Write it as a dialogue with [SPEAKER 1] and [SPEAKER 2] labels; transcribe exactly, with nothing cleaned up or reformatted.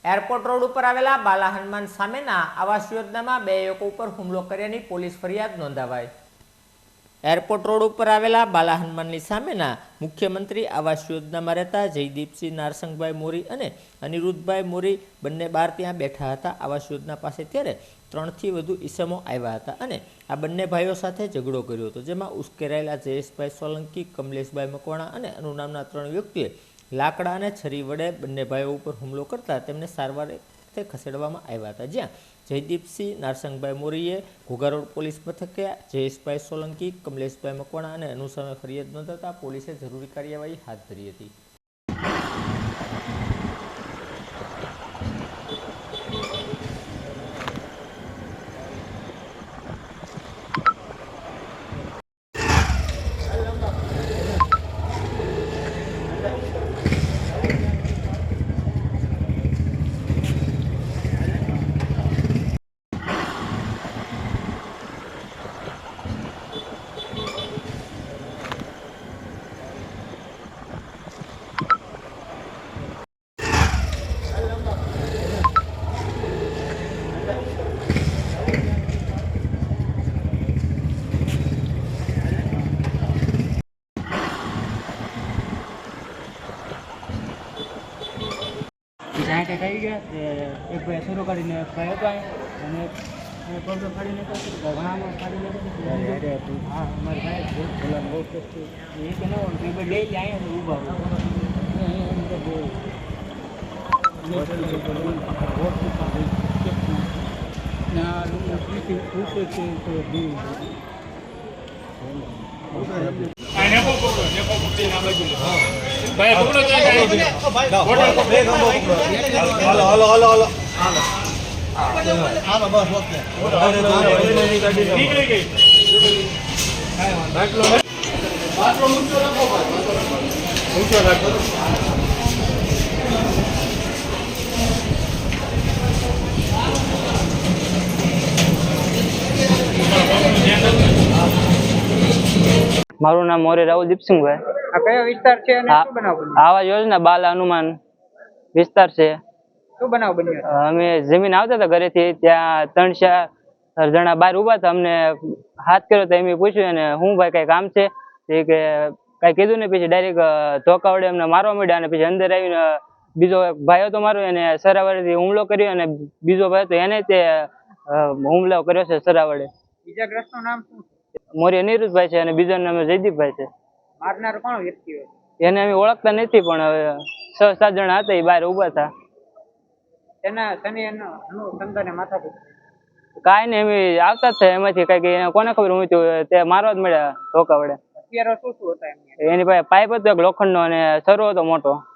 [SPEAKER 1] Airport road ઉપર આવેલા બાલા હનુમાન સામેના આવાસ યોજનામાં બે યુવકો ઉપર હુમલો કર્યાની પોલીસ ફરિયાદ નોંધાવાઈ। એરપોર્ટ રોડ ઉપર આવેલા બાલા હનુમાનની સામેના મુખ્યમંત્રી આવાસ યોજનામાં રહેતા જયદીપસિંહ નારસંગભાઈ મોરી અને અનિરુદ્ધભાઈ મોરી બંને બાર ત્યાં બેઠા હતા। આવાસ યોજના પાસે ત્યારે ત્રણથી વધુ ઈસમો આવ્યા હતા અને આ બંને ભાઈઓ સાથે ઝઘડો કર્યો હતો, જેમાં ઉશ્કેરાયેલા જયેશભાઈ સોલંકી, કમલેશભાઈ મકવાણા અને અનુ નામના ત્રણ વ્યક્તિઓએ લાકડા અને છરી વડે બંને ભાઈઓ ઉપર હુમલો કરતા તેમને સારવારે ખસેડવામાં આવ્યા હતા, જ્યાં જયદીપસિંહ નારસંગભાઈ મોરીએ ઘોઘા રોડ પોલીસ મથકે જયેશભાઈ સોલંકી, કમલેશભાઈ મકવાણા અને અનુ સામે ફરિયાદ નોંધાતા પોલીસે જરૂરી કાર્યવાહી હાથ ધરી હતી।
[SPEAKER 2] જ્યાં કંઈક આવી ગયા એક ભાઈ શરૂ કરીને ભાઈ હતો અને પગ ફાડીને ઘણામાં ફાડીને હા અમારે ભાઈ બોલાવો એ કે ના હોય બે લઈ જાય ઊભા
[SPEAKER 3] ભાઈ પકડો હાલો હાલો હાલો હાલો હાલો બસ ઓકે નીકળી ગઈ બાટલો બાટલો ઊંચો રાખો ઊંચો રાખો
[SPEAKER 4] મારું નામ મોરે રાહુલ દીપસિંહભાઈ।
[SPEAKER 2] આ કયો વિસ્તાર છે અને શું બનાવ બન્યો?
[SPEAKER 4] આવા યોજના બાલ હનુમાન વિસ્તાર છે।
[SPEAKER 2] શું બનાવ બન્યો?
[SPEAKER 4] અમે જમીન આવતા હતા ઘરેથી, ત્યાં ત્રણ ચાર જણા બહાર ઉભા હતા, અમને હાથ કર્યો તો એમ પૂછ્યું અને હું ભાઈ કઈ કામ છે એ કે કઈ કીધું ને પછી ડાયરેક્ટ ધોકા વડે અમને મારવા માંડ્યા અને પછી અંદર આવીને બીજો ભાઈ હતો મારો એને સરાવડેથી હુમલો કર્યો અને બીજો ભાઈ હતો એને તે હુમલો કર્યો છે સરાવડે।
[SPEAKER 2] ઈજાગ્રસ્તનું નામ શું છે?
[SPEAKER 4] મોરી અનિરુદ્ધભાઈ છે અને બીજાનું નામ જયદીપભાઈ છે।
[SPEAKER 2] મારનાર કોણ વ્યક્તિ હોય?
[SPEAKER 4] એને અમે ઓળખતા નથી, પણ હવે છ સાત જણા હતા એ બહાર ઉભા હતા।
[SPEAKER 2] તેના શનિ અનુસંધાને માથાકૂટ
[SPEAKER 4] કાંઈ નહીં, અમે આવતા જ છે એમાંથી કઈક કોને ખબર હું તે મારવા જ મળ્યા ધોકા વડે।
[SPEAKER 2] અત્યારે શું શું હતા એમની?
[SPEAKER 4] એની પાસે પાઇપ હતો એક લોખંડનો અને સરો હતો મોટો।